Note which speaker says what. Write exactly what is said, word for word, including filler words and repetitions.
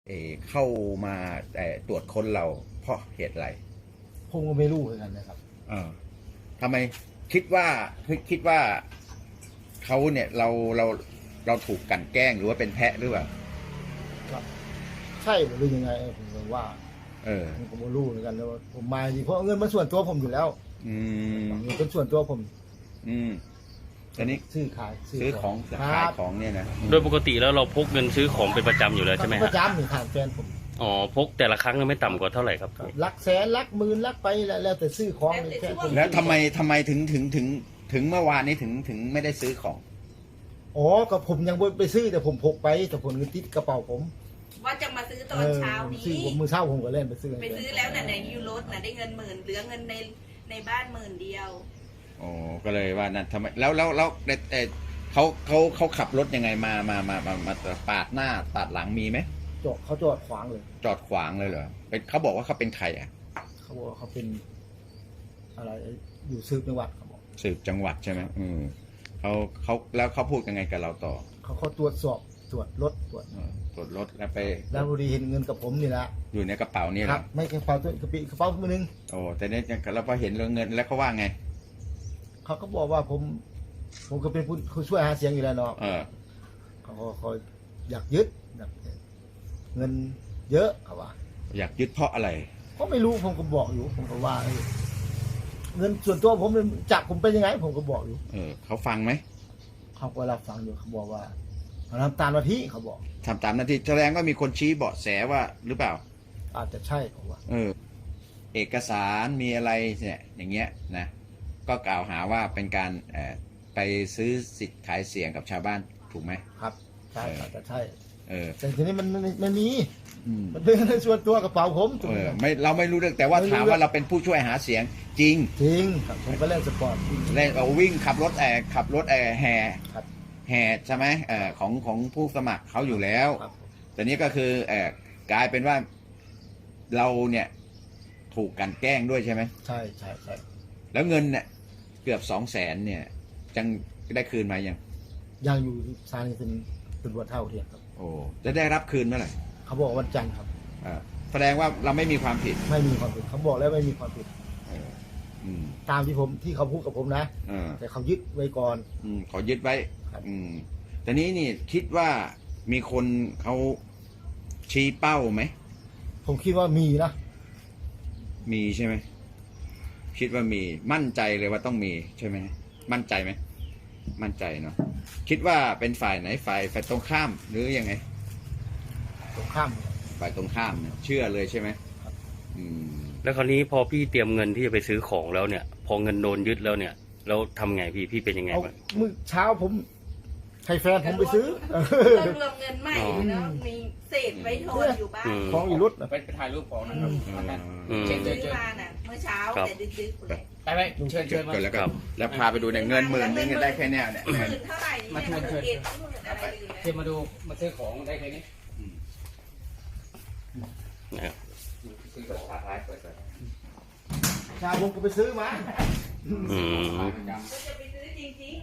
Speaker 1: เออเข้ามาแต่ตรวจค้นเราเพราะเหตุอะไร
Speaker 2: ผมก็ไม่รู้เหมือนกันนะครับ
Speaker 1: เออทำไมคิดว่าคิดคิดว่าเขาเนี่ยเราเราเราถูกกลั่นแกล้งหรือว่าเป็นแพะหรือเปล่า
Speaker 2: ก็ใช่หรือยังไงผมก็ว่า
Speaker 1: เออ
Speaker 2: ผมก็ไม่รู้เหมือนกันแล้วผมมาจริงเพราะเงินมันส่วนตัวผมอยู่แล้ว
Speaker 1: อืม
Speaker 2: เงินเป็นส่วนตัวผม
Speaker 1: อืมอันนี้
Speaker 2: ซื้อขาย
Speaker 1: ซื้อของขายของเนี่ยนะ
Speaker 3: โดยปกติแล้วเราพกเงินซื้อของเป็นประจำอยู่แล้วใช่ไหม
Speaker 2: ครับประจำนี่ถามแฟนผม
Speaker 3: อ๋อพกแต่ละครั้งไม่ต่ำกว่าเท่าไหร่ครับ
Speaker 2: ลักแสนลักหมื่นลักไปแล้วแต่ซื้อของแค่ผม
Speaker 1: แล้วทำไมทำไมถึงถึงถึงถึงเมื่อวานนี้ถึงถึงไม่ได้ซื้อของ
Speaker 2: อ๋อก็ผมยังไปซื้อแต่ผมพกไปแต่ผมเงินติดกระเป๋าผม
Speaker 4: ว่าจะมาซื้อตอนเช้านี้
Speaker 2: ซื้อผมมือเช้าผมก็เล่นไปซื้อ
Speaker 4: ไปซื้อแล้วน่ะในยูโรน่ะได้เงินหมื่นเหลือเงินในในบ้านหมื่นเดียว
Speaker 1: โอ้ก็เลยว่านั่นทำไมแล้วแล้วแล้วเออเขาเขาเขาขับรถยังไงมามามามามาปาดหน้าปาดหลังมีไหม
Speaker 2: จอดเขาจอดขวางเลย
Speaker 1: จอดขวางเลยเหรอเป็นเขาบอกว่าเขาเป็นใครอ่ะ
Speaker 2: เขาบอกว่าเขาเป็นอะไรอยู่สืบจังหวัดเขาบอก
Speaker 1: สืบจังหวัดใช่ไหมอืมเขาเขาแล้วเขาพูดยังไงกับเราต่อ
Speaker 2: เขาเขาตรวจสอบตรวจรถตรวจ
Speaker 1: ตรวจรถแล้วไป
Speaker 2: แล้วพอดีเห็นเงินกับผมนี่แหละ
Speaker 1: อยู่ในกระเป๋านี่แหละ
Speaker 2: ไม่กระเป๋าตัวกระปิกระเป๋ามือนึง
Speaker 1: โอ้แต่เนี่ยเราพอเห็นเงินแล้วเขาว่าไง
Speaker 2: เขาก็บอกว่าผมผมก็เป็นผู้ช่วยหาเสียงอยู่แล้วเนาะเขาเขาอยากยึดเงินเยอะเขาว่า
Speaker 1: อยากยึดเพราะอะไร
Speaker 2: ก็ไม่รู้ผมก็บอกอยู่ผมก็ว่าเงินส่วนตัวผมจับผมเป็นยังไงผมก็บอกอยู่
Speaker 1: เออเขาฟังไหม
Speaker 2: เขาก็รับฟังอยู่เขาบอกว่าทำตามหน้าที่เขาบอก
Speaker 1: ทำตามหน้าที่แสดงว่ามีคนชี้เบาะแสว่าหรือเปล่า
Speaker 2: อาจจะใช่ผมว่า
Speaker 1: เออเอกสารมีอะไรเนี่ยอย่างเงี้ยนะก็กล่าวหาว่าเป็นการเอ่อไปซื้อสิทธิ์ขายเสียงกับชาวบ้านถูกไหม
Speaker 2: ครับใช่อาจจะใช่
Speaker 1: เออ
Speaker 2: แต่ทีนี้มันมันมีมันเป็นในส่วนตัวกระเป๋าผม
Speaker 1: เออไม่เราไม่รู้เรื่องแต่ว่าถามว่าเราเป็นผู้ช่วยหาเสียงจริง
Speaker 2: จริงครับผมก็เล่นสปอร์ต
Speaker 1: เล่นเอาวิ่งขับรถแอร์ขับรถแอร์แห่แห่ใช่ไหมเออของของผู้สมัครเขาอยู่แล้วแต่นี้ก็คือเออกลายเป็นว่าเราเนี่ยถูกกันแกล้งด้วยใช่ไหม
Speaker 2: ใช่ใช่ใช่
Speaker 1: แล้วเงินเนี่ยเกือบสองแสนเนี่ยจังได้คืนมายัง
Speaker 2: ยังอยู่ศาลนี่เป็นตำรวจเท่าเทียมครับ
Speaker 1: โอ้จะได้รับคืนเมื่อไหร่
Speaker 2: เขาบอกวันจันทร์ครับ
Speaker 1: แสดงว่าเราไม่มีความผิด
Speaker 2: ไม่มีความผิดเขาบอกแล้วไม่มีความผิดตามที่ผมที่เขาพูดกับผมนะแต่เขายึดไว้ก่อน
Speaker 1: อืมเขายึดไว้อืมแต่นี้นี่คิดว่ามีคนเขาชี้เป้าไหม
Speaker 2: ผมคิดว่ามีนะ
Speaker 1: มีใช่ไหมคิดว่ามีมั่นใจเลยว่าต้องมีใช่ไหมมั่นใจไหมมั่นใจเนาะคิดว่าเป็นฝ่ายไหนฝ่ายฝ่ายตรงข้ามหรือยังไง
Speaker 2: ตรงข้าม
Speaker 1: ฝ่ายตรงข้ามเนี่ยเชื่อเลยใช่ไหมอืม
Speaker 3: แล้วคราวนี้พอพี่เตรียมเงินที่จะไปซื้อของแล้วเนี่ยพอเงินโดนยึดแล้วเนี่ยแล้วทำไงพี่พี่เป็นยังไงบ้าง
Speaker 2: มื้อเช้าผมให้แฟนผมไปซื้อ
Speaker 4: ต้องรวมเงินใหม่แล้วมีเศษไว้ทอนอยู่บ้าน
Speaker 2: ของอีรุด
Speaker 5: ไปถ่ายรูปของนะครับ
Speaker 4: เช็คซื้อมาน่ะเมื่อเช้าแต่ดึกๆเลย
Speaker 5: ไปไปเชิญเชิญมา
Speaker 1: แล้วครับแล้วพาไปดูเนี่ยเงินหมื่นนึงได้แค่แนวเนี่ย
Speaker 4: หมื่นเท่าไหร่มาเชิญเชิญ
Speaker 5: เชิญมาดูมาซื้อของได้แค่นี้
Speaker 2: ชาผมก็ไปซื้อมา
Speaker 3: อืม